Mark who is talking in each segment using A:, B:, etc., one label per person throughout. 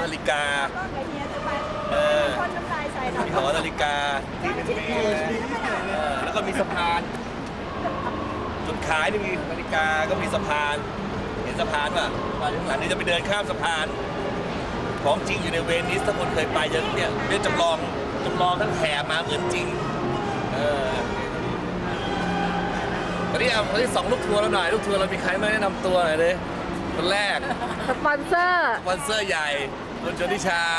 A: นาฬิกา
B: คนน้ำลายใส่หน่อย
A: มีหอนาฬิกาแล้วก็มีสะพานจุดขายนี่มีนาฬิกาก็มีสะพานเห็นสะพานป่ะมาข้างหลังนี่จะไปเดินข้ามสะพานของจริงอยู่ในเวนิสถ้าคนเคยไปจะเนี่ยเรื่องจำลองทั้งแถบมาเหมือนจริงวันนี้ส่องลูกทัวร์เราหน่อยลูกทัวร์เรามีใครมาแนะนำตัวหน่อยเลยคนแรก
C: สปอนเซอร์
A: ใหญ่คุณชนิชา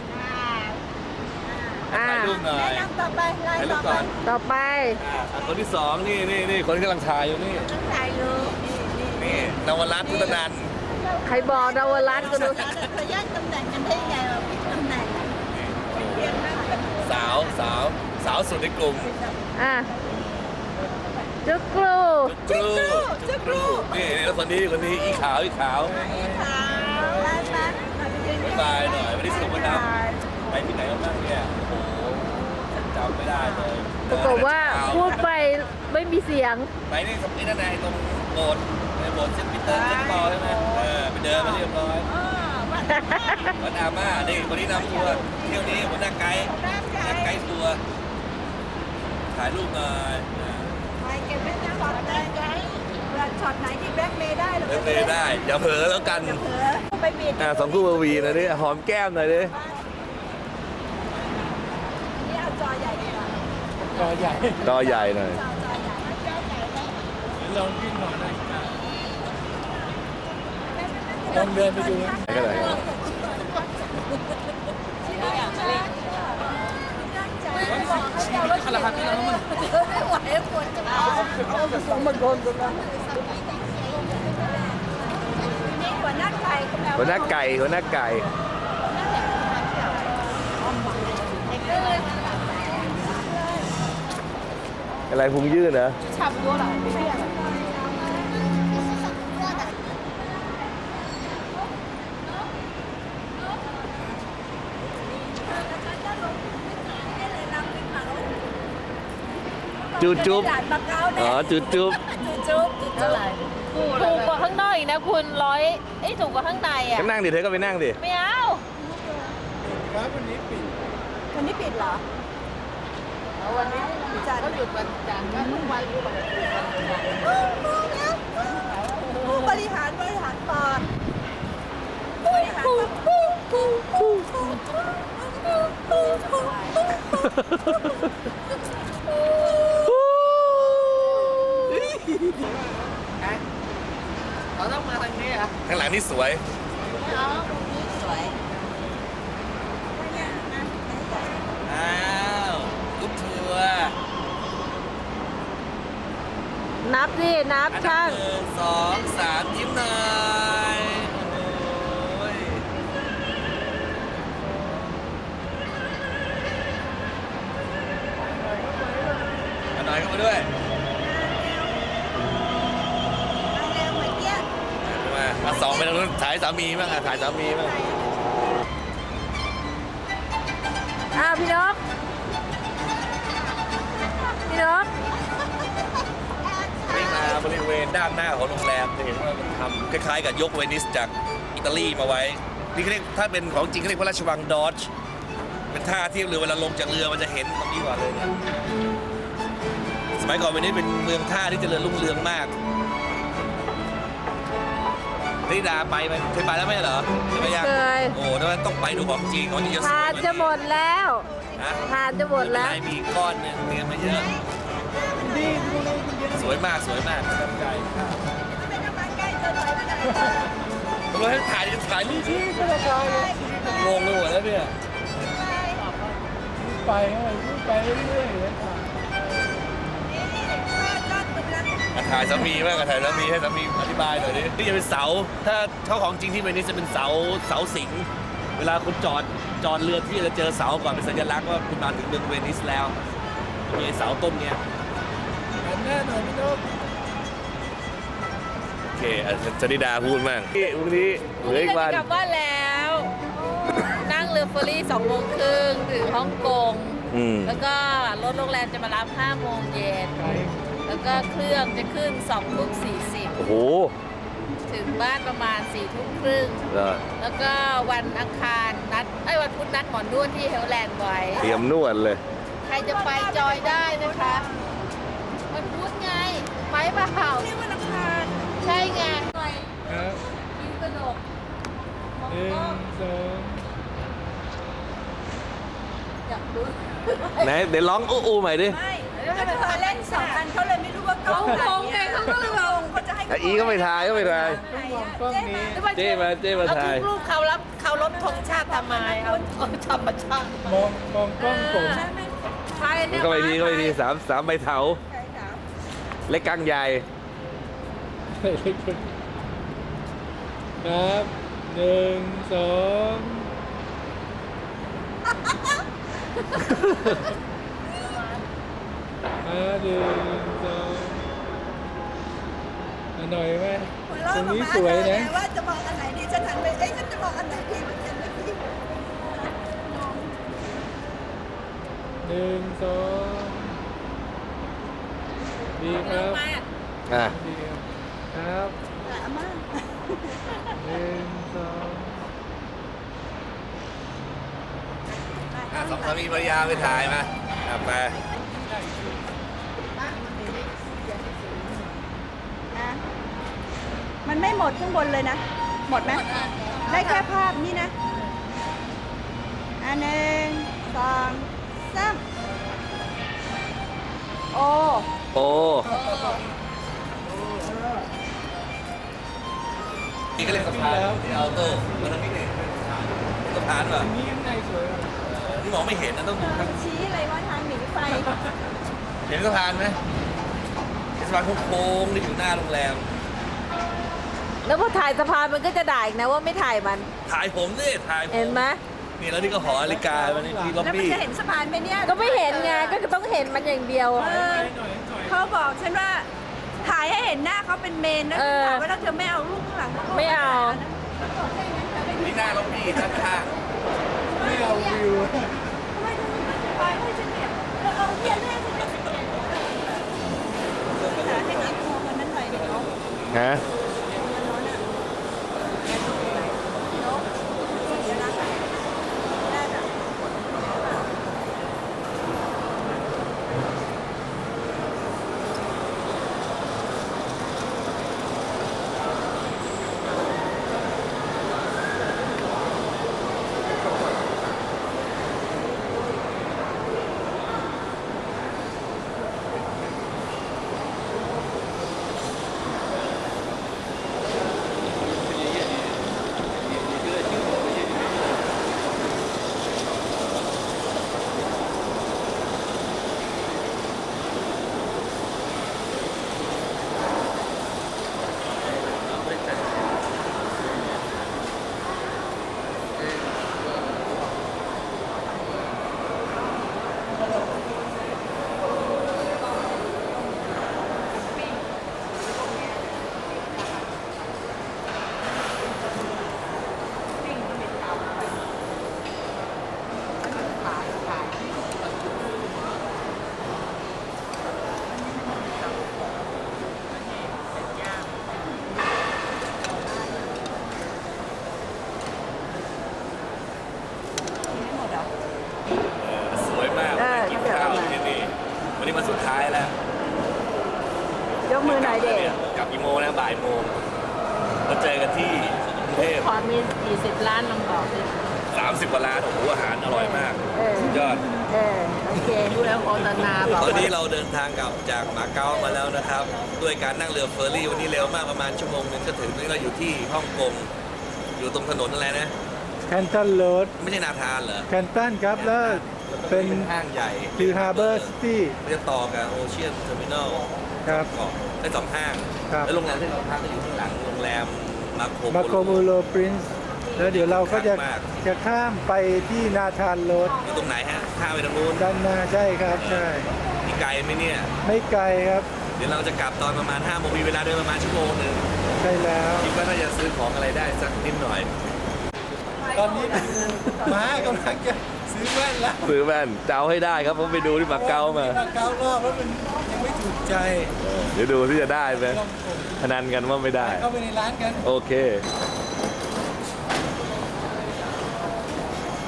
A: ถ่ายรูปหน่อย
B: แนะนำต่อไปไล่
A: ถ่ายรู
B: ต่
A: ป
B: อ
A: ก่อน
C: ต่อไป
A: คนที่สองนี่คนที่กำลังถ่ายอยู่นี่
B: ถ่ายรูป
A: นี่นวรัตน์พุทธนันท์
C: ใครบอกดาวรัตน์ก็ดู
B: เขาแยกตำแหน่งกันได้ยังไงวะผิดตำแหน่งเรียนมาก
A: สาวสุดในกลุ่ม
C: อ่ะจุกรู
A: จุกรูนี่แล้วคนนี้อีขาว
B: ไอ้ขาวไล่มา
A: บ๊ายบายหน่อยวันนี้สนุกไหมครับไปที่ไหนกันบ้างเนี่ยโอ้โหจำไม่ได้เลย
C: ปรากฏว่าพูดไปไม่มีเสียง
A: ไปนี่สมัยนั่นไงตรงโบสถ์ในโบสถ์เซนต์ปีเตอร์เซนต์ปอลใช่ไหมไปเดินมาเรียบร้อยวัดอาม่านี่คนนี้นำทัวร์เที่ยวนี้หัวหน้าไกด์ทัวร์ถ่ายรูปหน่อย
B: ถ่ายเก็บไว้นะช็อตได้ช็อตไหนที่แบล็คเมย์ได้หรือ
A: เล่นได้อย่าเผลอแล้วกัน
B: เผลอไปบิด
A: สองคู่วีหน่อยดิหอมแก้มหน่อยดิ
B: นี่เอาจอใหญ่ดีกว่า
A: จอใหญ่หน่อย
B: จอใหญ่
D: ลองขึ้นหน่อยนะ
B: ลองเดินไปดู
A: ก็ได้
D: ขลังที่เราต้องมา
B: ไม่ไหวปวดจะเอามาโดนกันนะนี่หัวหน้าไก่
A: หัวหน้าไก่ อะไรพุงยื่นเหรอ
B: ฉับตัวหรอไม่ใช่หรอ
A: จุ๊บอ๋อจุ๊บ
B: จุ๊บอะไร
C: ถูกกว่าข้างนอกอีกนะคุณถูกกว่าข้างในอ่ะ
A: ก็นั่งดิเธอก็ไปนั่งดิ
C: ไม่เอา
D: ร้านวันนี้ปิด
B: วันนี้ปิดเหรอวันนี้จันทร์ก็หยุดวันจันทร์ก็ทุกวันบริหารปอดบริหาร
D: เราต้องมาทางนี้อ่ะ
A: ข้างหลังนี่สวย
B: เอาตรงนี้สวย
A: อ้าวลูกทัวร์
C: นับสินับ
A: อันดั
C: ช่า
A: บ
C: ง
A: 1 2 3ยิ้มหน่อยโอ้ยเอาหน่อยเข้ามาด้วย
B: เร็วเหมือนเกี้ย
A: มาสองไปทางนู้นถ่ายสามีบ้างถ่ายสามีบ้าง
C: พี่นก
A: นี่มาบริเวณด้านหน้าของโรงแรมจะเห็นว่ามันทำคล้ายๆกับยกเวนิสจากอิตาลีมาไว้นี่เขาเรียกถ้าเป็นของจริงเขาเรียกว่าราชวังดอจเป็นท่าเทียบเรือเวลาลงจากเรือมันจะเห็นตรงนี้ก่อนเลยเนี่ยสมัยก่อนเวนิสเป็นเมืองท่าที่เจริญรุ่งเรืองมากนี่ดาไปไหมเคยไปแล้วไหมเหรอไม่ยัง
C: เคย
A: โอ้แต่ว่าต้องไปดูของจริงของจริงจะสวย
C: ทานจะหมดแล้ว
A: นะ
C: ทานจะหมดแล้ว
A: ไม่เป็นไรมีก้อนหนึงเตรียมมาเยอะสวยมากประทับใจ
B: ไม่ต้องมาใกล้เธอหน่อยไม่ได้
A: เราให้ถ่ายรูปที่ก็จะงงไปหมดแล้วเนี่ย
D: ไปไปเรื่อยๆเลยค่ะ
A: ถ่ายสามีบ้างถ่ายสามีให้สามีอธิบายหน่อยดินี่จะเป็นเสาถ้าของจริงที่เวนิสจะเป็นเสาสิงเวลาคุณจอดเรือที่จะเจอเสาก่อนเป็นสัญลักษณ์ว่าคุณมาถึงเมืองเวนิสแล้วมีเสาต้นเนี้ย
D: หันหน้าหน่อยพี่นก
A: โอเคชนิดาพูดมั่งพรุ่งนี้เหลืออีกวัน
C: กลับบ้านแล้ว นั่งเรือเฟอร์รี่2 โมงครึ่งถึงฮ่องกง แล้วก็รถโรงแรมจะมารับ5 โมงเย็น แล้วก็เครื่องจะขึ้น2 ทุ่ม 40
A: โอ้โห
C: ถึงบ้านประมาณ4 ทุ่มครึ่ง
A: แล้ว
C: แล้วก็วันอังคารวันพุธนัดหมอนวดที่เฮลแลนด์ไว้
A: เตรียมนวดเลย
C: ใครจะไปจอยได้นะคะวันพุธไงไปเปล่านี่วันอังคารใช่ไงหน่อย
D: ครับ
C: คิ้วกระดกมอง
D: หนึ่
C: กล้อง
D: งสอง
C: อยากดู
A: ไหนเดี๋ยวร้องอู้ใหม่ดิ
B: ไม่แล้วถ้าเขาเล่นสองอันเขาเลยไม่รู้ว่า
C: เขางงไงเขาก็เลยงง
B: เขาจะให้
A: อ่ะอีก็ไม่ทายก็ไม่ทาย
D: ต้องมองกล้องนี้
A: เจ้มา
C: เอา
A: ทาย
C: ทุกรูปเขาลบธงชาติทำไมเอาธรรมชาติ
D: มองกล้องผม
C: ใช่
A: มั
C: เนี่
A: น
C: ย
A: ก็ไปทีสามใบเถาเล็กกลางใหญ่
D: ครับหนึ่งสองหนึ่งสองหน่อยไหมตรงนี้สวยนะ
B: ว่าจะมองอันไหนดีฉันหันไปเอ๊ะฉันจะมองอันไหนดีเหมือนกันนะพี่
D: หนึ่งสองดีครับ
A: อ่ะ
D: ดีครับ
B: อาม่า
D: หนึ่งสอง
A: สองสามีภรรยาไปถ่ายมาไป
B: นะมันไม่หมดข้างบนเลยนะ หมดไหมได้แค่ภาพนี้นะอันหนึ่งสองสามโอ้
A: โอ้นี่ก็เรียกสะพานที่เอาโต้มาทางนี้เนี่ยสะพานป่ะ
D: นี่ข้างในสวย
A: นี่มองไม่เห็นนะต้องดูทาง
B: ชี้อะไรว่าทางหนีไฟ
A: เห็นสะพานไหมเห็นสะพานโค้งๆที่อยู่หน้าโรงแรม
C: แล้วพอถ่ายสะพานมันก็จะด่าอีกนะว่าไม่ถ่ายมัน
A: ถ่ายผมดิถ่ายผม
C: เห็นไหม
A: นี่แล้วนี่ก็หอนาฬิกามันนี่ล็อบ
B: แล้วมัน
A: บี้
B: จะเห็นสะพานไหมเนี่ย
C: ก็ไม่เห็นไงก็ต้องเห็นมันอย่างเดียว
B: เออเขาบอกฉันว่าถ่ายให้เห็นหน้าเขาเป็นเมนนะ
C: เออ
B: ถามว่าถ้าเธอไม่เอารูปข้างหลังก็
C: ไม่เอา
A: นี่หน้าล็อบบี้ด้านข้าง
D: ไม่เอาวิว
B: ทำไมเธอไม่ถ่ายให้ฉันเนี่ยเอาเขียนให้ฉันเนี่ยหาให้หนักมองมันนั้นหน่อยเดี๋ยว
A: ฮะ สวยมากมากินข้าวที่นี่วันนี้มาสุดท้ายแล้ว
B: ยกมือหน่อยเด็ก
A: กลับกี่โมงนะบ่ายโมงมาเจอกันที่กรุงเทพ
C: ขอมี40 ล้านลองบอกดิ
A: 30 กว่าร้านโอ้โหอาหารอร่อยมากสุดยอด
C: โอเคดูแล้วโฆษณาบอก
A: ตอนนี้เราเดินทางกลับจากมาเก๊ามาแล้วนะครับ ด้วยการนั่งเรือเฟอร์รี่วันนี้เร็วมากประมาณชั่วโมงนึงก็ถึงนี่เราอยู่ที่ฮ่องกงอยู่ตรงถนนอะไรนะ
D: แคนตันโรด
A: ไม่ใช่นาธานเหรอ
D: แคนตันครับแล้วเป็น
A: ห้างใหญ่
D: คือฮาร์เบอร์ซิตี้
A: มันจะต่อกับโอเชียนเทอร์มินอล
D: ครับ
A: เกาะได้สองห้าง
D: ครับ
A: แล้วโรงแรมที่เราพักก็อยู่ข้างหลังโรงแรมมาโค
D: มาโคมูโลปรินซ์แล้วเดี๋ยวเราก็จะข้ามไปที่นาธานโรด
A: อยู่ตรงไหนฮะข้ามไปทางนู้น
D: ด้านหน้าใช่ครับใช่
A: มีไกลไหมเนี่ย
D: ไม่ไกลครับ
A: เดี๋ยวเราจะกลับตอนประมาณ5โมงมีเวลาเดินประมาณชั่วโมงหนึ่ง
D: ใช่แล้ว
A: คิดว่าน่าจะซื้อของอะไรได้สักนิดหน่อย
D: ตอนนี้ม้ากำลังจะซื้อแว่นแล้ว
A: ซื้อแว่นจะเอาให้ได้ครับผมไปดูที่มาเก๊ามา
D: มาเก๊ารอบแล้วมันยังไม่ถูกใจ
A: เดี๋ยวดูที่จะได้ไหม
D: ลองกด
A: พนันกันว่าไม่ได้
D: เข้าไปในร้านกัน
A: โอเค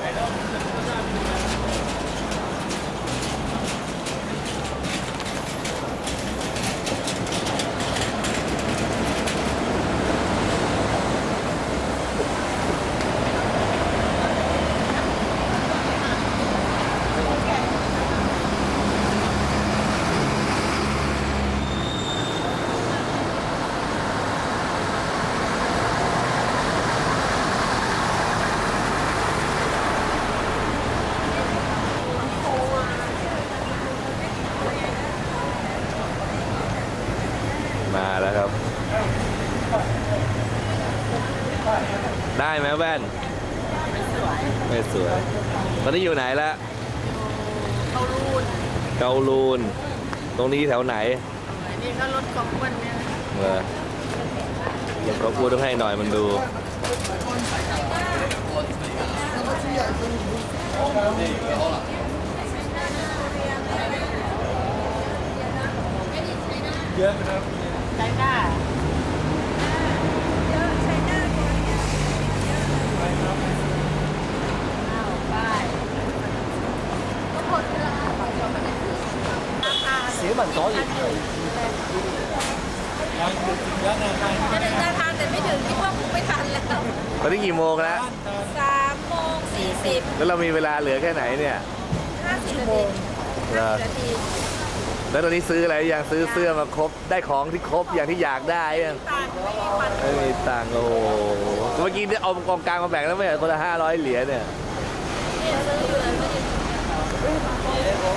A: แว่นไม่สวยตอนนี้อยู่ไหนละเกาลูนตรงนี้แถวไหน
C: นี่ก็รถของอ้วนเนี่ย
A: เดี๋ยวก็พูดต้องให้หน่อยมันดู
D: เยอะนะครับ
C: ใช่ค่ะ
B: เยอะใช้หน้าตัวเนี้ย
D: เสียบัตรต่ออีกยังอยู่ถึงแล้วนะครับ
C: จะถึงนาทานแต่ไม่ถึงคิดว่าคงไม่ทันแล้ว
A: ตอนนี้กี่โมงแล้ว
C: 3:40
A: แล้วเรามีเวลาเหลือแค่ไหนเนี่ย
C: 50 นาที
A: เหรอ
C: 50 นาที
A: แล้วตอนนี้ซื้ออะไรยังซื้อเสื้อมาครบได้ของที่ครบอย่างที่อยากได้ยัง
C: ต่างไม่มีวัน
A: ไม่มีตังค์โอ้โหเมื่อกี้เนี่ยเอากองกลางมาแบ่งแล้วไม่เหรอคนละ500 เหรียญเนี่ย
C: เนี่ยซื้ออยู่เลยไม่ได้เนี่ยหมด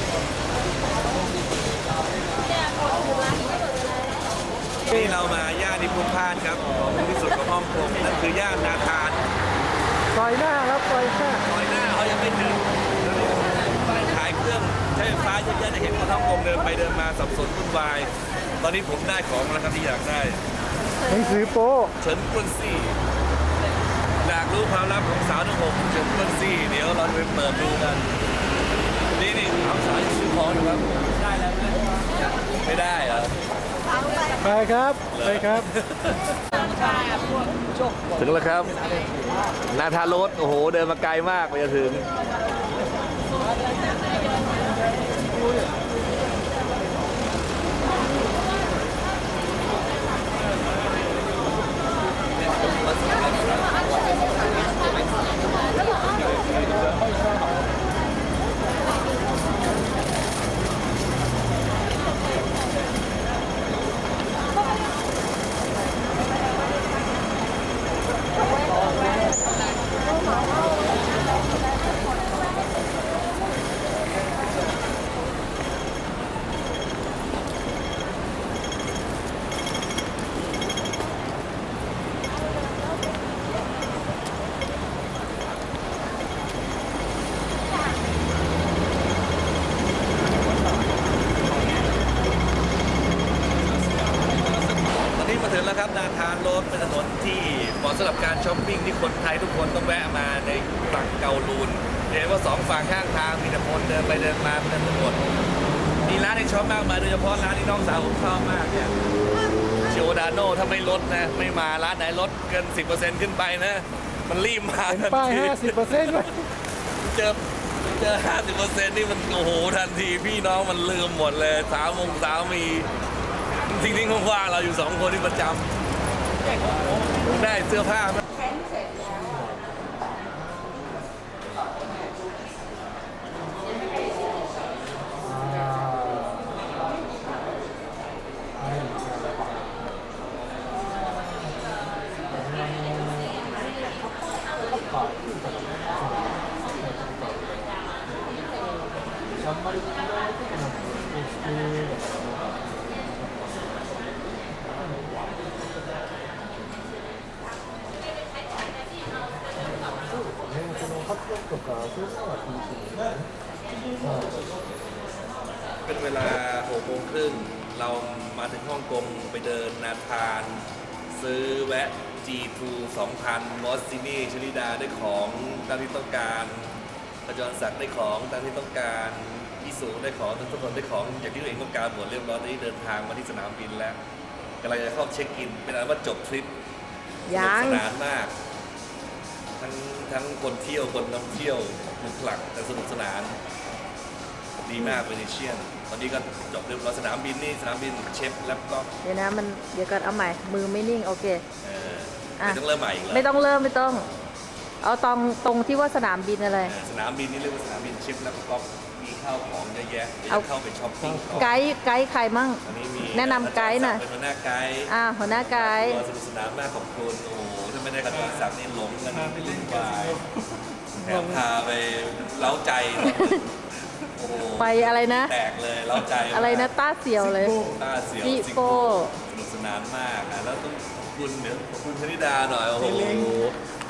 C: อยู่ร้านนี้หมดเลย
A: ที่เรามาย่านนิพุนพานครับของที่สุดของฮ่องกงนั่นคือย่านนาธาน
D: ซอยหน้าครับซอยหน้า
A: ซอยหน้าเขายังไม่ถึงร้านขายเครื่องใช้ไฟฟ้าเยอะๆจะเห็นคนฮ่องกงเดินไปเดินมาสับสนวุ่นวายตอนนี้ผมได้ของแล้วครับที่อยากได้
D: หนังสือโป๊
A: เฉินกวนซี่อยากรู้ความลับของสาวทั้ง6เฉินกวนซี่เดี๋ยวเราจะไปเปิดดูกันนี่เอาสาวยังซื้อของอยู่ครับได้แล้วไม่ได้เหรอ
D: ไปครับไปครับ
A: ถึงแล้วครับ นาธานโรดโอ้โห เดินมาไกลมากไปจะถึง ตอนนี้มาถึงแล้วครับนาธานโรดเป็นถนนที่เหมาะสำหรับการช้อปปิ้งที่คนไทยทุกคนต้องแวะมาในฝั่งเกาลูนเห็นว่า2 ฝั่งข้างทางมีแต่คนเดินไปเดินมาเป็นถนนมีร้านให้ช็อปมากมายโดยเฉพาะร้านที่น้องสาวผมชอบมากเนี่ยชิโอดาโน่ถ้าไม่ลดนะไม่มาร้านไหนลดเกิน 10% ขึ้นไปนะ มันรีบมาทัน
D: ป้าย
A: ที
D: 50%เลย
A: เจอ 50% นี่มันโอ้โหทันทีพี่น้องมันลืมหมดเลยสาวมีทิ้งๆว่างๆเราอยู่2 คนที่ประจำได้เสื้อผ้าไหมเป็นเวลา6 โมงครึ่งเรามาถึงฮ่องกงไปเดินนาธานซื้อแวะ G2 2000 มอสซินี่ชลิดาได้ของตามที่ต้องการประจรศักดิ์ได้ของตามที่ต้องการพี่สูได้ของทุกคนได้ของอย่างที่ตัวเองต้องการหมดเรียบร้อยตอนนี้เดินทางมาที่สนามบินแล้วกำลังจะเข้าเช็คอินเป็นอันว่าจบทริปสนุกสนานมากทั้งคนเที่ยวคนนำเที่ยวหนุกหลักแต่สนุกสนานดีมากเวเนเชียนตอนนี้ก็จบเรียบร้อยสนามบินนี่สนามบินเชฟแล้วก็
C: เดี๋ยวนะเดี๋ยวก่อนเอาใหม่มือไม่นิ่งโอเค
A: ไม่ต้องเริ่มใหม่อีกแล้ว
C: ไม่ต้องเริ่มไม่ต้อง เอาตรงที่ว่าสนามบินอะไร
A: สนามบินนี่เรียกว่าสนามบินเชฟแล้วก็มีข้าวของเยอะแยะเดี๋ยว
C: เอา
A: จะเข้าไปช้อปปิ้งต่อ
C: ไกด์ใครมั่ง
A: อันนี้มี
C: แนะนำไกด์หน่อย
A: เป็นหัวหน้าไกด์
C: หัวหน้าไกด์
A: สนุกสนานมากของคุณโอ้โหถ้าไม่ได้กับตัวศักดิ์นี่หลงกันไปเล่นวายแถมพาไปเล้าใจโอ้โห
C: ไปอะไรนะ
A: แตกเลยเล้าใจมาก
C: อะไรนะต้าเสียวเลย
A: ตาเสียว
C: จิ
A: สิง
C: โก้
A: โก้สนุกสนานมากแล้วต้องขอบคุณชนิดาหน่อยโอ้โห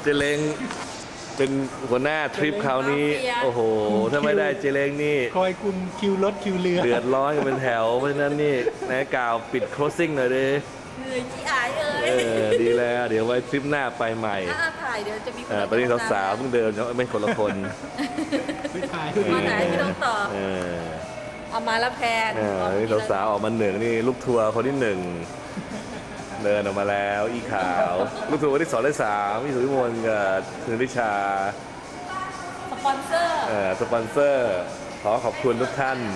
A: เจเล้งเป็นหัวหน้าทริปคราวนี้ โอ้โห ถ้าไม่ได้เจเล้งนี่
D: คอยคุมคิวรถคิวเรือ
A: เดือดร้อนกันเป็นแถว เพราะฉะนั้นนี่นะกล่าวปิด closing หน่อยดิ
C: เหนื่อยขี้อายเอ้
A: ดีแล้ว เดี๋ยวไว้ทริปหน้าไปใหม่
C: ถ้าถ่ายเดี๋ยวจะมี
A: ตอนนี้สาวๆเพิ่งเดินไม่คนละคน
D: ไม่ถ่าย
C: มาไหนพี่ต้องต่อ
A: เออ
C: เอามาแล้วแพน
A: นี่สาวๆออกมาหนึ่งนี่ลูกทัวร์คนที่หนึ่งเดินออกมาแล้วอีขาว ลูกทัวร์คนที่สองและสามพี่สุวิมลกับคุณริชา
C: สปอนเซอร์
A: สปอนเซอร์ขอขอบคุณทุกท่าน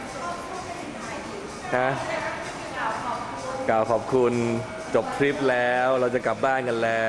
A: นะกล่าวขอบคุณจบทริปแล้วเราจะกลับบ้านกันแล้ว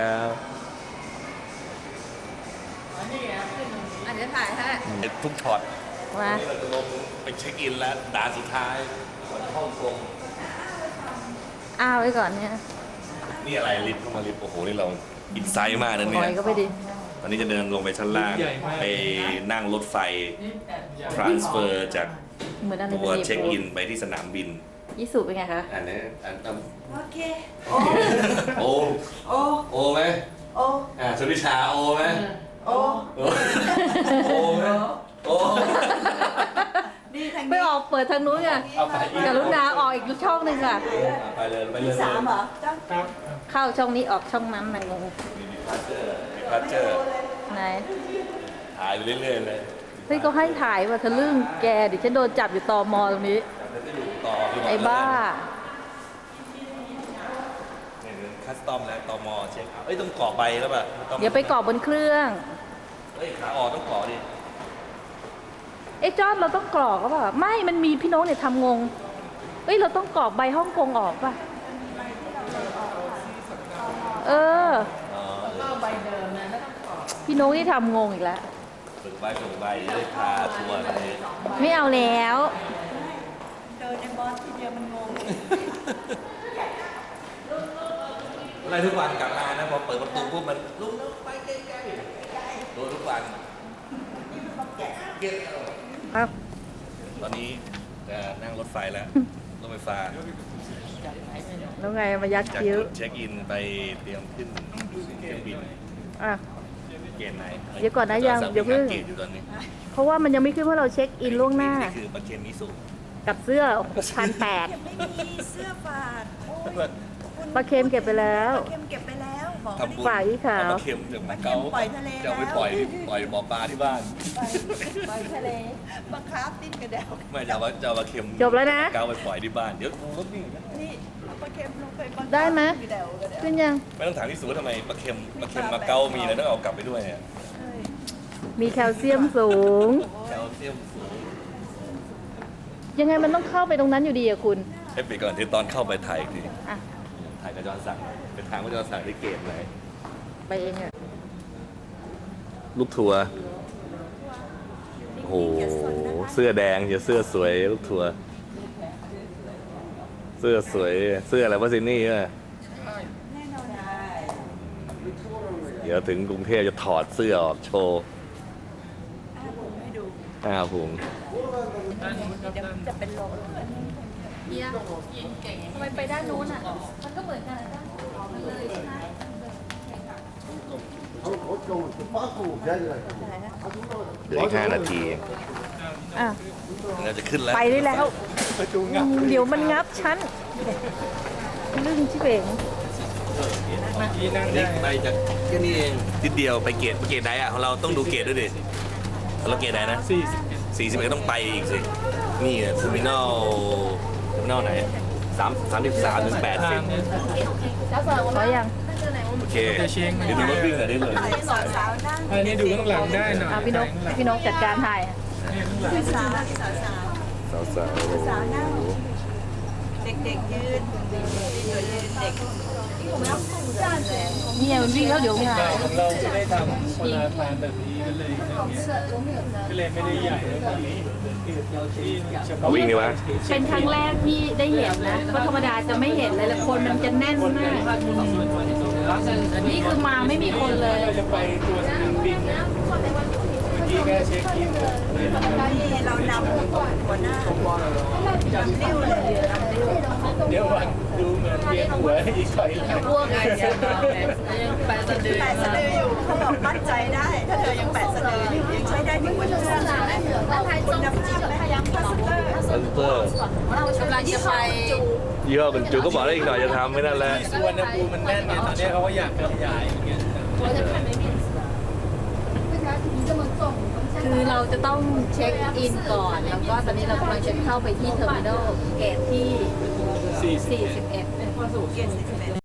C: อันนี้ถ่ายให้
A: ทุกช็อต
C: มา
A: เราจะลงไปเช็คอินแล้วด่านสุดท้ายก่อนเข้ากรง
C: อ้าวไว้ก่อนเนี่ย
A: นี่อะไรลิฟต์เข้ามาลิฟต์โอ้โหนี่เราอินไซด์มากนะ
C: ป
A: เนี่
C: ล่อย
A: ย
C: ก็ไปดิ
A: ตอนนี้จะเดินลงไปชั้นล่างไปนั่งรถไฟ transfer จาก
C: เหมือนอะไร
A: ตัวเช็คอินไปที่สนามบิน
C: ยี่สุเป็นไงคะ
A: อันนี้อัน
B: โอเค
A: โอ
B: โอ
A: โอไหม
B: โอ
A: สุริชาโอไหม
B: โอ
A: โอไหมโอ
B: นี่ทาง
C: ไป
B: นี้
C: ออกเปิดทางนู้นไง
A: เอาไปอีก
C: กรุณาออกอีกช่องหนึ่งอ่ะ
A: ไปเลยไปเลย
B: สามเหรอจ้า
D: ครับ
C: เข้าช่องนี้ออกช่องนั้นมันงง
A: พัชเจอร์
C: ไหน
A: ถ่ายไปเรื่อยๆเลย
C: เฮ้ยก็ให้ถ่ายว่าทะลึ่งแกเดี๋ยวฉันโดนจับอยู่ตมตรงนี้
A: แล้วก็อยู่ต่อ
C: ไอ้บ้า
A: คัสตอมแล้วตมเช็คเอ้ยต้องกรอกใบแล้วป่ะต้อง
C: เดี๋ยวไปกรอกบนเครื่อง
A: เฮ้ยขาออกต้องกรอกดิ
C: ไอ้จอดเราต้องกรอกก็ปล่ะไม่มันมีพี่โน้ตเนี่ยทำงงเอ้ยเราต้องกรอกใบฮ่องกงออกป่ะเออ
A: อ๋อ
C: พี่โน้ตที่ทำงงอีกแล้ว
A: ฝึกใบจะได้พาทัวร์อะไร
C: ไม่เอาแล้ว
B: เดินในบอสทีเดียวมันงง
A: อะไรทุกวันกลับมานะพอเปิดประตูปุ๊บมันลุกไปใกล้ๆโดนทุกวัน
C: ครับ
A: ตอนนี้จะนั่งรถไฟแล้ว รถไฟฟ้า
C: แล้วไงมายัด
A: จาก
C: คิ้ว
A: จุดเช็คอินไปเตรียมขึ้นเครื่องบิน
C: อ่ะ
A: เกณฑ์ไหน
C: เดี๋ยวก่อนนะยังเดี๋ยวเพิ่ง
A: เกณฑ์อยู่ตอนนี้
C: เพราะว่ามันยังไม่ขึ้นเพราะเราเช็คอินล่วงหน้า
A: นี่คือประเคนมิสุ
C: กับเสื้อ6,800
B: ไม่มีเสื้อฝาดโอ้ย
C: ปลาเค็มเก็บไปแล้ว
B: ปลาเค็มเก็บไปแล้วบอก
A: ทำบุญ
C: ฝ่ายอีขาว
A: เอประเค็มจากมาเก๊า
B: ปล่อยทะเล
A: จะเอาไป
B: แล้ว
A: ปล่อยบ่อปลาที่บ้าน
B: ปล่อยทะเลปลาคาร์ฟดิ้นกระเดว
A: ไม่จะเอาปลาเค็ม
C: จบแล้วนะ
A: เก๊าไปปล่อยที่บ้านเดี๋ยวรถนี่
B: นี่เอาปลาเค็มลงไปปลาคาร์ฟ
C: ได้ไหม
B: กระเดวกระเดว
C: ขึ้นยัง
A: ไม่ต้องถามที่สูทำไมปลาเค็มมาเก๊ามีแล้วต้องเอากลับไปด้วยเนี่ย
B: เอ้ย
C: มีแคลเซียมสูง
A: แคลเซียมสูง
C: ยังไงมันต้องเข้าไปตรงนั้นอยู่ดีอะคุณ
A: ให้ไปก่อนเดี๋ยวตอนเข้าไปถ่ายอีกที
C: อ่ะ
A: ถ่ายกับจอห์นสั่งเป็นทางว่าจอห์นสั่งได้เกณฑ์ไหน
C: ไปเองอะ
A: ลูกทัวร์โอ้โหเสื้อแดงอย่าเสื้อสวยลูกทัวร์เสื้อสวยเสื้ออะไรวะซินนี่อ่ะ
B: แน่นอน
A: เดี๋ยวถึงกรุงเทพจะถอดเสื้อออกโชว์
B: ให้ดู
A: พุง
B: เดี๋ยวจะเป็นลม
C: เฮียทำไมไปด้านนู้นอะมันก็เหมือนกันนะด้านมันเลยใช่ไหม
A: เดี๋ยวอีก5 นาที
C: อ่ะ
A: เราจะขึ้นแล้ว
C: ไปได้แล้ว
D: ประตูงับ
C: เดี๋ยวมันงับฉันลึ่งชิเป๋ง
D: ที่นั่ง
A: นี่
D: ได้
A: ไปจากแค่นี้เองนิดเดียวไปเกตไหนอ่ะของเราต้องดูเกตด้วยดิเราเกตไหนนะ 41ต้องไปอีกสินี่เทอร์มินอลไหน33ถึง80
C: ขอยัง
A: โอเคเดี๋ยวดูรถวิ่งหน่อยได้เลย
B: สาวสาวนั่ง
D: อันนี้ดูข้างหลังได้หน่อย
C: อ่ะพี่นกจัดการถ่าย
B: สาวสาว
A: สาว
B: สาวนั่งเด็กๆยืนเด็กเด็ก
C: เนี่ยมันวิ่งแล้วเดี๋ยวงาน
D: ของเราจะได้ทำคนละทานแบบนี้ก็เลยไม่ได้ใหญ่แล้วแบบนี้เราที่เฉพาะ
A: วิ่งดีวะ
C: เป็นครั้งแรกที่ได้เห็นนะเพราะธรรมดาจะไม่เห็นเลยแล้วคนมันจะแน่นมากนี่คือมาไม่มีคนเลย
D: เราจะไปตัวสนามบินนะเมื่อกี้แค่เช็ช็คอินเลย
B: นี่เรานำหัวหน้านำริ้วเลยนำริ้ว
D: เดี๋ยววันดูเหมือนเวียนหัวอีกถอยหลัง
C: พวกไงยังแปะสะดือ
B: แปดสะดืออยู่เขาบอกมั่นใจได้ ถ้าเธอยังแปดสะดืออยู่ยังใช้ได้ถึงวันที่3ใช่ไหมคุณภาพไหมพลาสเตอร์
A: คอนเตอร์
C: กำลังจะไป
A: ยี่ห้อกันจูก็บอกได้อีกหน่อยจะทำไม่นั่นแหละ
D: ที่สุวรรณภูมิมันแน่นไงตอนนี้เขาก็อยากขยายอย่างเงี้ย
C: คือเราจะต้องเช็คอินก่อน แล้วก็ตอนนี้เรากำลังจะเข้าไปที่เทอร์มินอลเกตที่ 41
B: เกณฑ์41